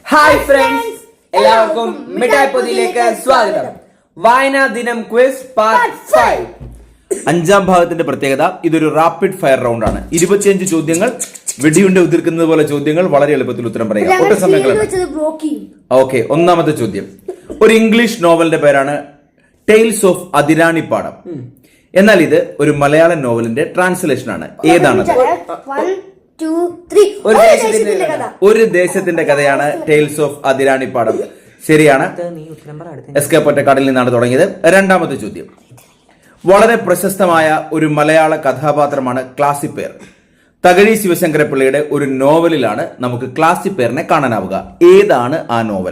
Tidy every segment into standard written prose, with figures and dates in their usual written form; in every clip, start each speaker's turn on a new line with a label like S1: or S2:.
S1: Hi friends, എല്ലാവർക്കും മിഠായി പൊതിയിലേക്ക് സ്വാഗതം. വായനാ ദിനം ക്വിസ് പാർട്ട് 5.
S2: അഞ്ചാം ഭാഗത്തിന്റെ പ്രത്യേകത ഇതൊരു റാപ്പിഡ് ഫയർ റൗണ്ട് ആണ്. 25 ചോദ്യങ്ങൾ, വെടിയുണ്ട ഉതിർക്കുന്നത് പോലെ ചോദ്യങ്ങൾ. വളരെ എളുപ്പത്തിൽ ഉത്തരം പറയുക. ഒട്ടും സമയങ്ങൾ. ഓക്കെ, ഒന്നാമത്തെ ചോദ്യം. ഒരു ഇംഗ്ലീഷ് നോവലിന്റെ പേരാണ് ടെയിൽസ് ഓഫ് അതിരാണിപ്പാടം. എന്നാൽ ഇത് ഒരു മലയാളം നോവലിന്റെ ട്രാൻസ്ലേഷൻ ആണ്. ഏതാണത്? ഒരു ദേശത്തിന്റെ കഥയാണ് ടെയിൽസ് ഓഫ് അതിരാണിപ്പാടം. ശരിയാണ്. എസ്കേപ്പ് ഒറ്റക്കാടിൽ നിന്നാണ് തുടങ്ങിയത്. രണ്ടാമത്തെ ചോദ്യം. വളരെ പ്രശസ്തമായ ഒരു മലയാള കഥാപാത്രമാണ് ക്ലാസിപ്പേർ. തകഴി ശിവശങ്കരപ്പിള്ളയുടെ ഒരു നോവലിലാണ് നമുക്ക് ക്ലാസിപ്പേറിനെ കാണാനാവുക. ഏതാണ് ആ നോവൽ?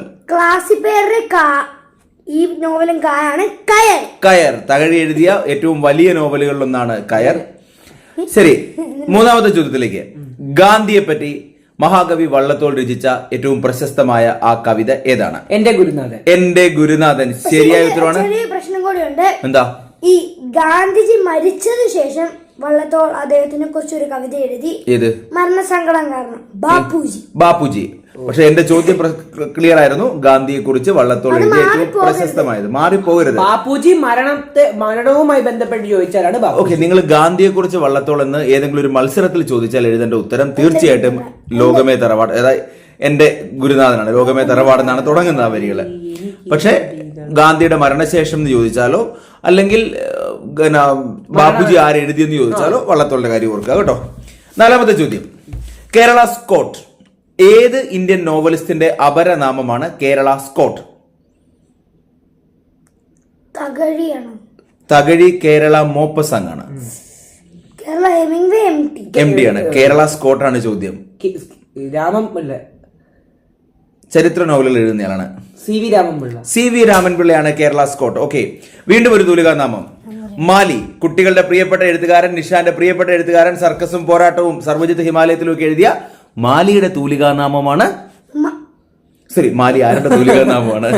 S3: ഈ നോവലും കയർ.
S2: കയർ തകഴി എഴുതിയ ഏറ്റവും വലിയ നോവലുകളിലൊന്നാണ് കയർ. ശരി, മൂന്നാമത്തെ ചോദ്യത്തിലേക്ക്. ഗാന്ധിയെ പറ്റി മഹാകവി വള്ളത്തോൾ രചിച്ച ഏറ്റവും പ്രശസ്തമായ ആ കവിത ഏതാണ്?
S1: എന്റെ ഗുരുനാഥൻ.
S2: എന്റെ ഗുരുനാഥൻ ശരിയായ ഉത്തരവാണ്.
S3: ചെറിയ പ്രശ്നം കൂടിയുണ്ട്.
S2: എന്താ? ഈ
S3: ഗാന്ധിജി മരിച്ചതിനു ശേഷം വള്ളത്തോൾ അദ്ദേഹത്തിനെ കുറിച്ച് ഒരു കവിത എഴുതി.
S2: ഏത്?
S3: മരണസങ്കടം കാരണം
S2: ബാപ്പുജി. പക്ഷെ എന്റെ ചോദ്യം ക്ലിയർ ആയിരുന്നു. ഗാന്ധിയെ കുറിച്ച് വള്ളത്തോൾ എഴുതിയ ഏറ്റവും പ്രശസ്തമായത്. മാറിപ്പോകരുത്.
S1: ബാപ്പുജി മരണവുമായി ബന്ധപ്പെട്ട് ചോദിച്ചാലാണ്.
S2: ഓക്കെ, നിങ്ങൾ ഗാന്ധിയെ കുറിച്ച് വള്ളത്തോൾ എന്ന് ഏതെങ്കിലും ഒരു മത്സരത്തിൽ ചോദിച്ചാൽ എഴുതേണ്ട ഉത്തരം തീർച്ചയായിട്ടും ലോകമേ തറവാട്, അതായത് എന്റെ ഗുരുനാഥനാണ്. ലോകമേ തറവാട് എന്നാണ് തുടങ്ങുന്ന ആ വരികള്. പക്ഷെ ഗാന്ധിയുടെ മരണശേഷം എന്ന് ചോദിച്ചാലോ അല്ലെങ്കിൽ ബാപ്പുജി ആരെഴുതിയെന്ന് ചോദിച്ചാലോ വള്ളത്തോളിന്റെ കാര്യം ഓർക്കുക കേട്ടോ. നാലാമത്തെ ചോദ്യം. കേരള സ്കോട്ട് ഏത് ഇന്ത്യൻ നോവലിസ്റ്റിന്റെ അപരനാമമാണ് കേരള സ്കോട്ട്? തകഴി കേരള മോപ്പസംഗ് ആണ്. എം ഡി ആണ്. കേരള സ്കോട്ട് ആണ് ചോദ്യം. ചരിത്ര നോവലുകൾ എഴുതുന്നയാളാണ്. സി വി രാമൻപിള്ളയാണ് കേരള സ്കോട്ട്. ഓക്കെ, വീണ്ടും ഒരു തൂലികാ നാമം. മാലി. കുട്ടികളുടെ പ്രിയപ്പെട്ട എഴുത്തുകാരൻ, നിഷാന്റെ പ്രിയപ്പെട്ട എഴുത്തുകാരൻ, സർക്കസും പോരാട്ടവും സർവജിത്ത് ഹിമാലയത്തിലും ഒക്കെ എഴുതിയ മാലിയുടെ തൂലികാ നാമമാണ്. ശരി, മാലി ആരുടെ തൂലികാ നാമമാണ്?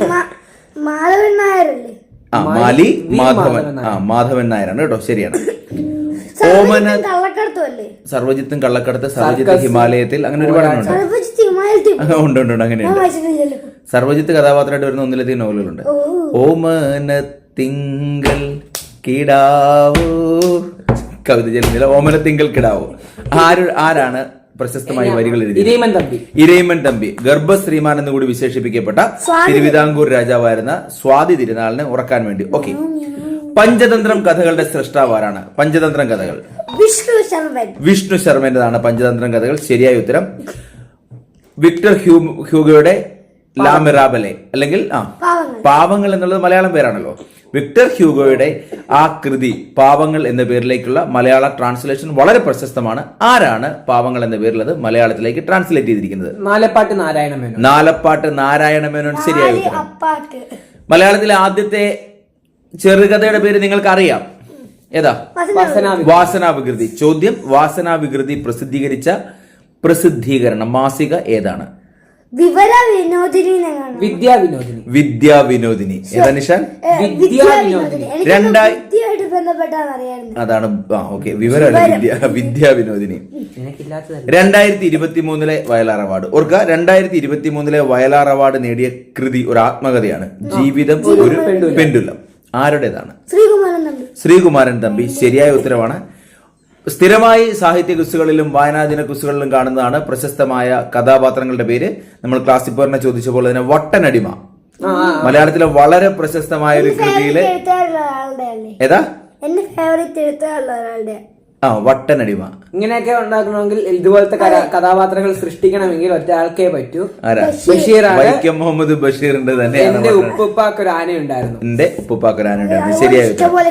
S2: മാലി മാധവൻ നായരാണ് കേട്ടോ. ശരിയാണ്. ഓമന സർവജിത്തും കള്ളക്കടത്ത്, സർവജിത്ത് ഹിമാലയത്തിൽ, അങ്ങനെ ഒരുപാട് ഉണ്ട്. അങ്ങനെയുണ്ട്. സർവജിത്ത് കഥാപാത്രമായിട്ട് വരുന്ന ഒന്നിലധികം നോവലുകളുണ്ട്. ഓമന തിങ്കൾ കിടാവോ, കവിത ചെല്ലുന്നില്ല. ഓമന തിങ്കൾ കിടാവോ ആരാണ് പ്രശസ്തമായ വരികൾ എഴുതി? ഇരയിമൻ തമ്പി. ഗർഭശ്രീമാൻ എന്ന് കൂടി വിശേഷിപ്പിക്കപ്പെട്ട തിരുവിതാംകൂർ രാജാവായിരുന്ന സ്വാതി തിരുനാളിനെ ഉറക്കാൻ വേണ്ടി. ഓക്കെ, പഞ്ചതന്ത്രം കഥകളുടെ സൃഷ്ടാവ് ആരാണ്? പഞ്ചതന്ത്രം കഥകൾ വിഷ്ണു ശർമ്മന്റേതാണ് പഞ്ചതന്ത്രം കഥകൾ. ശരിയായ ഉത്തരം വിക്ടർ ഹ്യൂഗോയുടെ ലാ മിറാബലെ, അല്ലെങ്കിൽ പാവങ്ങൾ എന്നുള്ളത് മലയാളം പേരാണല്ലോ. വിക്ടർ ഹ്യൂഗോയുടെ ആ കൃതി പാവങ്ങൾ എന്ന പേരിലേക്കുള്ള മലയാള ട്രാൻസ്ലേഷൻ വളരെ പ്രശസ്തമാണ്. ആരാണ് പാവങ്ങൾ എന്ന പേരിലത് മലയാളത്തിലേക്ക് ട്രാൻസ്ലേറ്റ് ചെയ്തിരിക്കുന്നത്? നാലപ്പാട്ട് നാരായണ മേനോൻ. ശരിയായ ഉത്തരം. മലയാളത്തിലെ ആദ്യത്തെ ചെറുകഥയുടെ പേര് നിങ്ങൾക്ക് അറിയാം. ഏതാ? വാസനാവികൃതി. ചോദ്യം. വാസനാവികൃതി പ്രസിദ്ധീകരിച്ച പ്രസിദ്ധീകരണം മാസിക ഏതാണ്? വിദ്യാവിനോദിനി. ഏതാ നിഷാൻ? അതാണ്. ഓക്കെ, വിവരമല്ല, വിദ്യാവിനോദിനി. 2023 വയലാർ അവാർഡ് ഓർക്കുക. 2023 വയലാർ അവാർഡ് നേടിയ കൃതി ഒരു ആത്മകഥയാണ്. ജീവിതം ഒരു പെൻഡുലം. ആരുടേതാണ്? ശ്രീകുമാരൻ തമ്പി. ശരിയായ ഉത്തരവാണ്. സ്ഥിരമായി സാഹിത്യ ക്വിസുകളിലും വായനാദിന ക്വിസുകളിലും കാണുന്നതാണ് പ്രശസ്തമായ കഥാപാത്രങ്ങളുടെ പേര്. നമ്മൾ ക്ലാസിപ്പറിനെ ചോദിച്ച പോലെ തന്നെ വട്ടനടിമ മലയാളത്തിലെ വളരെ പ്രശസ്തമായ ഒരു കൃതിയിലെ ഏതാ? വട്ടനടിമ.
S1: ഇങ്ങനെയൊക്കെ ഉണ്ടാക്കണമെങ്കിൽ ഇതുപോലത്തെ കഥാപാത്രങ്ങൾ സൃഷ്ടിക്കണമെങ്കിൽ ഒറ്റ ആൾക്കേ പറ്റൂ.
S2: വൈക്കം മുഹമ്മദ് ബഷീറിന്റെ തന്നെ
S1: എന്റെ ഉപ്പുപ്പാക്കൊരാന ഉണ്ടായിരുന്നു.
S2: ശരിയായ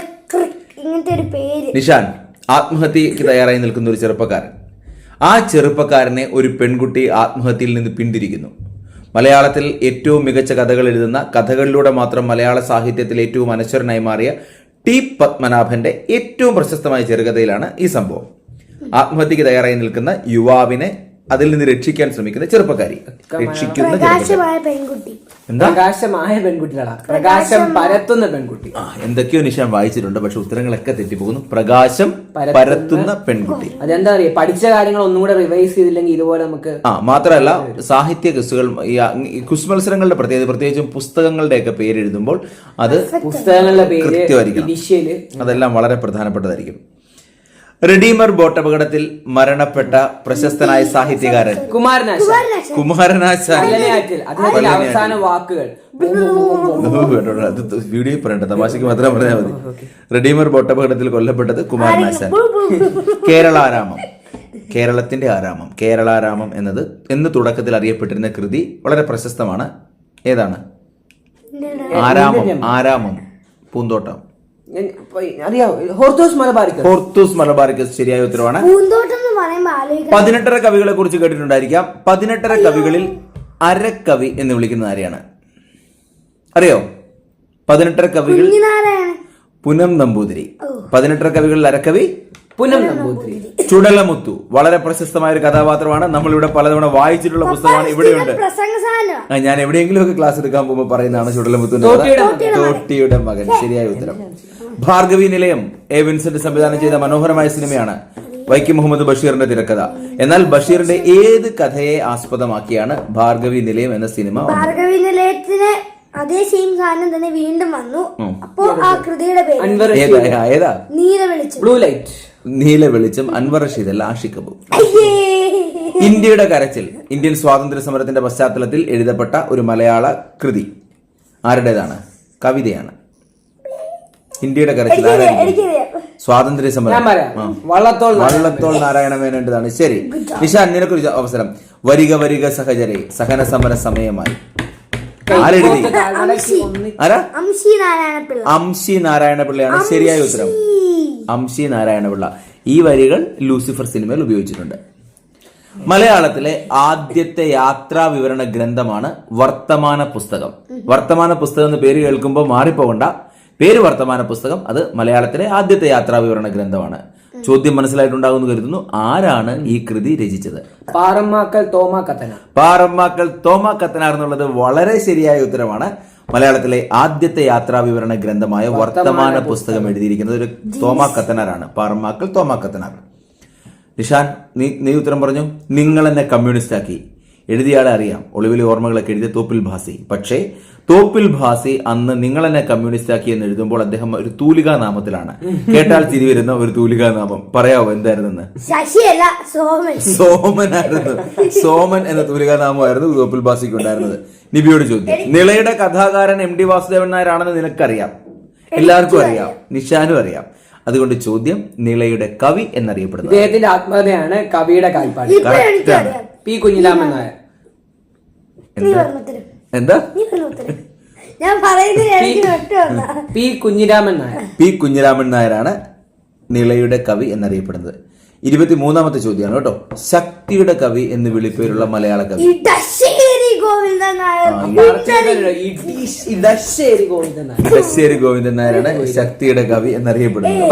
S2: നിഷാൻ. ആത്മഹത്യക്ക് തയ്യാറായി നിൽക്കുന്ന ഒരു ചെറുപ്പക്കാരൻ. ആ ചെറുപ്പക്കാരനെ ഒരു പെൺകുട്ടി ആത്മഹത്യയിൽ നിന്ന് പിന്തിരിക്കുന്നു. മലയാളത്തിൽ ഏറ്റവും മികച്ച കഥകൾ എഴുതുന്ന, കഥകളിലൂടെ മാത്രം മലയാള സാഹിത്യത്തിൽ ഏറ്റവും അനശ്വരനായി മാറിയ ടി പത്മനാഭന്റെ ഏറ്റവും പ്രശസ്തമായ ചെറുകഥയിലാണ് ഈ സംഭവം. ആത്മഹത്യക്ക് തയ്യാറായി നിൽക്കുന്ന യുവാവിനെ അതിൽ നിന്ന് രക്ഷിക്കാൻ ശ്രമിക്കുന്ന ചെറുപ്പക്കാരി. രക്ഷിക്കുന്ന ചെറുപ്പക്കാരി.
S3: പ്രകാശമായ പെൺകുട്ടി.
S2: എന്താ?
S1: പ്രകാശമായ പെൺകുട്ടികളാ, പ്രകാശം പരത്തുന്ന പെൺകുട്ടി.
S2: എന്തൊക്കെയോ നിശാൻ വായിച്ചിട്ടുണ്ട്, പക്ഷെ ഉത്തരങ്ങളൊക്കെ തെറ്റിപ്പോകുന്നു. പ്രകാശം പരത്തുന്ന പെൺകുട്ടി.
S1: അതെന്താ അറിയാ, പഠിച്ച കാര്യങ്ങൾ ഒന്നും കൂടെ റിവൈസ് ചെയ്തില്ലെങ്കിൽ ഇതുപോലെ നമുക്ക്.
S2: മാത്രമല്ല സാഹിത്യ ക്വിസുകൾ, ഈ ക്വിസ് മത്സരങ്ങളുടെ പ്രത്യേകിച്ചും പുസ്തകങ്ങളുടെ ഒക്കെ പേര് എഴുതുമ്പോൾ അത്
S1: പുസ്തകങ്ങളുടെ പേര്
S2: കൃത്യമായിരിക്കണം. അതെല്ലാം വളരെ പ്രധാനപ്പെട്ടതായിരിക്കും. റെഡീമർ ബോട്ട് അപകടത്തിൽ മരണപ്പെട്ട പ്രശസ്തനായ സാഹിത്യകാരൻ കുമാരനാശാൻ.
S1: അവസാന വാക്കുകൾ
S2: അത് വീഡിയോ പറയണ്ട, തമാശക്ക് മാത്രം പറഞ്ഞാൽ മതി. റെഡീമർ ബോട്ട് അപകടത്തിൽ കൊല്ലപ്പെട്ടത് കുമാരനാശാൻ. കേരളാരാമം, കേരളത്തിന്റെ ആരാമം. കേരളാരാമം എന്ന് തുടക്കത്തിൽ അറിയപ്പെട്ടിരുന്ന കൃതി വളരെ പ്രശസ്തമാണ്. ഏതാണ്? ആരാമം പൂന്തോട്ടം. ഹോർത്തൂസ് മലബാറിക്കസ് ശരിയായ ഉത്തരവാണ്. 18 കവികളെ കുറിച്ച് കേട്ടിട്ടുണ്ടായിരിക്കാം. 18 കവികളിൽ അരക്കവി എന്ന് വിളിക്കുന്നത് ആരെയാണ്? അറിയോ? 18 കവികൾ പുനം നമ്പൂതിരി. 18 കവികളിൽ അരക്കവി
S1: പുനം നമ്പൂതിരി.
S2: ചുടലമുത്തു വളരെ പ്രശസ്തമായ ഒരു കഥാപാത്രമാണ്. നമ്മളിവിടെ പലതവണ വായിച്ചിട്ടുള്ള പുസ്തകമാണ്. ഇവിടെയുണ്ട്. ഞാൻ എവിടെയെങ്കിലും ഒക്കെ ക്ലാസ് എടുക്കാൻ പോകുമ്പോൾ പറയുന്നതാണ് ചുടലമുത്തുവിന്റെ തോട്ടിയുടെ മകൻ. ശരിയായ ഉത്തരം. ഭാർഗവി നിലയം എ വിൻസെന്റ് സംവിധാനം ചെയ്ത മനോഹരമായ സിനിമയാണ്. വൈക്കം മുഹമ്മദ് ബഷീറിന്റെ തിരക്കഥ. എന്നാൽ ബഷീറിന്റെ ഏത് കഥയെ ആസ്പദമാക്കിയാണ് ഭാർഗവി നിലയം എന്ന സിനിമ?
S3: ഭാർഗവി നിലയത്തിന് അതേ സെയിം സാധനം തന്നെ വീണ്ടും വന്നു. അപ്പോ ആ കൃതിയുടെ പേര്
S2: ഏതാ? നീല വെളിച്ചം. അൻവർ റഷീദ് അല്ല, ആഷിഖ് കപൂർ. ഇന്ത്യയുടെ കരച്ചിൽ ഇന്ത്യൻ സ്വാതന്ത്ര്യ സമരത്തിന്റെ പശ്ചാത്തലത്തിൽ എഴുതപ്പെട്ട ഒരു മലയാള കൃതി ആരുടേതാണ്? കവിതയാണ്. ഇന്ത്യയുടെ കരച്ചിൽ സ്വാതന്ത്ര്യ സമരം വള്ളത്തോൾ നാരായണ മേനോന്റേതാണ്. ശരി നിഷാൻ, നിനക്കൊരു അവസരം. വരിക വരിക സഹചരെ, സഹന സമര സമയമായി. ആരെഴുതി? അംശി നാരായണപിള്ളയാണ് ശരിയായ ഉത്തരം. അംശി നാരായണപിള്ള. ഈ വരികൾ ലൂസിഫർ സിനിമയിൽ ഉപയോഗിച്ചിട്ടുണ്ട്. മലയാളത്തിലെ ആദ്യത്തെ യാത്രാ വിവരണ ഗ്രന്ഥമാണ് വർത്തമാന പുസ്തകം. വർത്തമാന പുസ്തകം എന്ന് പേര് കേൾക്കുമ്പോൾ മാറിപ്പോകണ്ട. പേര് വർത്തമാന പുസ്തകം. അത് മലയാളത്തിലെ ആദ്യത്തെ യാത്രാ വിവരണ ഗ്രന്ഥമാണ്. ചോദ്യം മനസ്സിലായിട്ടുണ്ടാകുമെന്ന് കരുതുന്നു. ആരാണ് ഈ കൃതി രചിച്ചത്?
S1: പാറമ്മാക്കൽ തോമാ കത്തനാർ.
S2: പാറമ്മാക്കൽ തോമാ കത്തനാർ എന്നുള്ളത് വളരെ ശരിയായ ഉത്തരമാണ്. മലയാളത്തിലെ ആദ്യത്തെ യാത്രാ വിവരണ ഗ്രന്ഥമായ വർത്തമാന പുസ്തകം എഴുതിയിരിക്കുന്നത് ഒരു തോമാ കത്തനാറാണ്. പാറമ്മാക്കൽ തോമാ കത്തനാർ. നിഷാൻ, നീ ഉത്തരം പറഞ്ഞു. നിങ്ങൾ എന്നെ കമ്മ്യൂണിസ്റ്റ് ആക്കി. എഴുതിയാളെ അറിയാം. ഒളിവിലെ ഓർമ്മകളൊക്കെ എഴുതിയ തോപ്പിൽ ഭാസി. പക്ഷേ തോപ്പിൽ ഭാസി അന്ന് നിങ്ങൾ എന്നെ കമ്മ്യൂണിസ്റ്റ് ആക്കി എന്ന് എഴുതുമ്പോൾ അദ്ദേഹം ഒരു തൂലികാ നാമത്തിലാണ്. കേട്ടാൽ ചിരി വരുന്ന ഒരു തൂലികാ നാമം. പറയാവോ എന്തായിരുന്നെന്ന്? സോമനായിരുന്നു. സോമൻ എന്ന തൂലികാ നാമമായിരുന്നു തോപ്പിൽ ഭാസിക്ക് ഉണ്ടായിരുന്നത്. നിബിയോട് ചോദ്യം. നിളയുടെ കഥാകാരൻ എം ഡി വാസുദേവൻ നായരാണെന്ന് നിനക്കറിയാം, എല്ലാവർക്കും അറിയാം, നിഷാനും അറിയാം. അതുകൊണ്ട് ചോദ്യം, നിളയുടെ കവി എന്നറിയപ്പെടുന്നത്?
S1: ഇദ്ദേഹത്തിന്റെ ആത്മകഥയാണ് കവിയുടെ കാൽപ്പാട്. പി കുഞ്ഞിരാമൻ നായർ.
S2: എന്താ?
S1: പി കുഞ്ഞിരാമൻ നായർ.
S2: പി കുഞ്ഞിരാമൻ നായരാണ് നിളയുടെ കവി എന്നറിയപ്പെടുന്നത്. 23ാമത്തെ ചോദ്യമാണ് കേട്ടോ. ശക്തിയുടെ കവി എന്ന് വിളിപ്പേരുള്ള മലയാള കവി?
S3: ഇടശ്ശേരി ഗോവിന്ദൻ
S2: നായരാണ് ശക്തിയുടെ കവി എന്നറിയപ്പെടുന്നത്.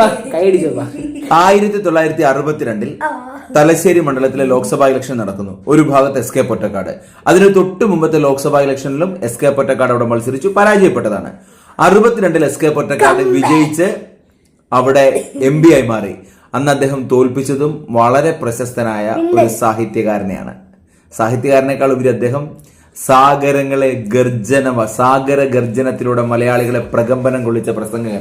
S2: 1962 തലശ്ശേരി മണ്ഡലത്തിലെ ലോക്സഭാ ഇലക്ഷൻ നടക്കുന്നു. ഒരു ഭാഗത്ത് എസ് കെ പൊറ്റക്കാട്. അതിന് തൊട്ട് മുമ്പത്തെ ലോക്സഭാ ഇലക്ഷനിലും എസ് കെ പൊറ്റക്കാട് അവിടെ മത്സരിച്ചു, പരാജയപ്പെട്ടതാണ്. 62 എസ് കെ പൊറ്റക്കാട് വിജയിച്ച് അവിടെ MP ആയി മാറി. അന്ന് അദ്ദേഹം തോൽപ്പിച്ചതും വളരെ പ്രശസ്തനായ ഒരു സാഹിത്യകാരനെയാണ്. സാഹിത്യകാരനേക്കാൾ ഉപരി അദ്ദേഹം സാഗര ഗർജനത്തിലൂടെ മലയാളികളെ പ്രകമ്പനം കൊള്ളിച്ച പ്രസംഗങ്ങൾ.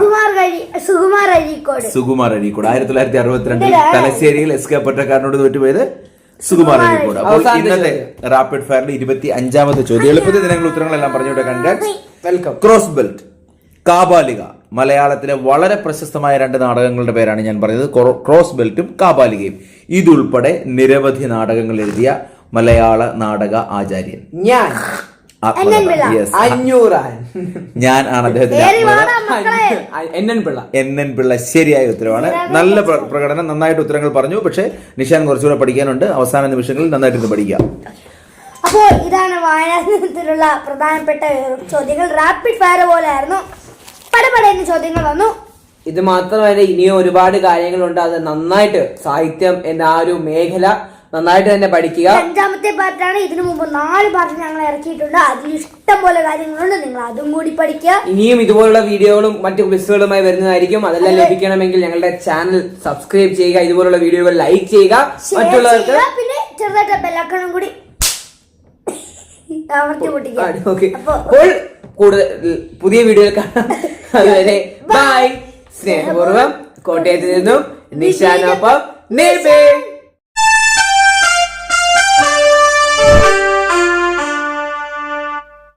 S2: സുകുമാർ അഴീക്കോട്. 1962 തലശ്ശേരിയിൽ എസ് കെ പൊറ്റക്കാരനോട് തോറ്റുപോയത് സുകുമാർ അഴീക്കോട്. അപ്പോൾ ഇന്നത്തെ റാപ്പിഡ് ഫയറിൽ 25ാമത്തെ ചോദ്യം. എളുപ്പത്തിൽ നിങ്ങൾ ഉത്തരങ്ങളെല്ലാം പറഞ്ഞുകൊണ്ട് വെൽക്കം. Cross belt, കാബാലിക. മലയാളത്തിലെ വളരെ പ്രശസ്തമായ 2 നാടകങ്ങളുടെ പേരാണ് ഞാൻ പറഞ്ഞത്. ക്രോസ് ബെൽറ്റും കാബാലികയും. ഇതുൾപ്പെടെ നിരവധി നാടകങ്ങൾ എഴുതിയ മലയാള നാടക ആചാര്യൻ ഞാൻ ആണ് അദ്ദേഹത്തിന്റെ NN പിള്ള. ശരിയായ ഉത്തരവാണ്. നല്ല പ്രകടനം, നന്നായിട്ട് ഉത്തരങ്ങൾ പറഞ്ഞു. പക്ഷെ നിഷാൻ കുറച്ചുകൂടെ പഠിക്കാനുണ്ട്. അവസാന നിമിഷങ്ങളിൽ നന്നായിട്ട് പഠിക്കാം.
S3: അപ്പോൾ ഇതാണ് വായനാത്തിലുള്ള പ്രധാനപ്പെട്ട ചോദ്യങ്ങൾ. റാപ്പിഡ് ഫയർ പോലെ ആയിരുന്നു. പടപടയുന്ന ചോദ്യങ്ങൾ വന്നു.
S1: ഇത് മാത്രമല്ല, ഇനിയും ഒരുപാട് കാര്യങ്ങളുണ്ട്. അത് നന്നായിട്ട് സാഹിത്യം എന്ന ആ ഒരു മേഖല നന്നായിട്ട് തന്നെ പഠിക്കുക.
S3: 5ാമത്തെ പാർട്ടാണ്. ഇതിനു മുമ്പ് 4 പാർട്ട് ഞങ്ങൾ ഇറക്കിയിട്ടുണ്ട്. അതിൽ ഇഷ്ടം പോലെ കാര്യങ്ങളുണ്ട്. നിങ്ങൾ അതും കൂടി പഠിക്കുക.
S1: ഇനിയും ഇതുപോലുള്ള വീഡിയോകളും മറ്റു ക്വിസുകളുമായി വരുന്നതായിരിക്കും. അതെല്ലാം ലഭിക്കണമെങ്കിൽ ഞങ്ങളുടെ ചാനൽ സബ്സ്ക്രൈബ് ചെയ്യുക, ഇതുപോലുള്ള വീഡിയോകൾ ലൈക്ക് ചെയ്യുക, മറ്റുള്ളവർക്ക്
S3: പിന്നെ ചെറുതായിട്ട് ബെല്ലൈക്കണും കൂടി അമർത്തി പൊട്ടിക്കുക.
S1: അപ്പോൾ കൂടുതൽ പുതിയ വീഡിയോയിൽ കാണാം. അതുവരെ ബൈ. സ്നേഹപൂർവ്വം കോട്ടയത്ത് നിന്നും നിശാനൊപ്പം നിബേ.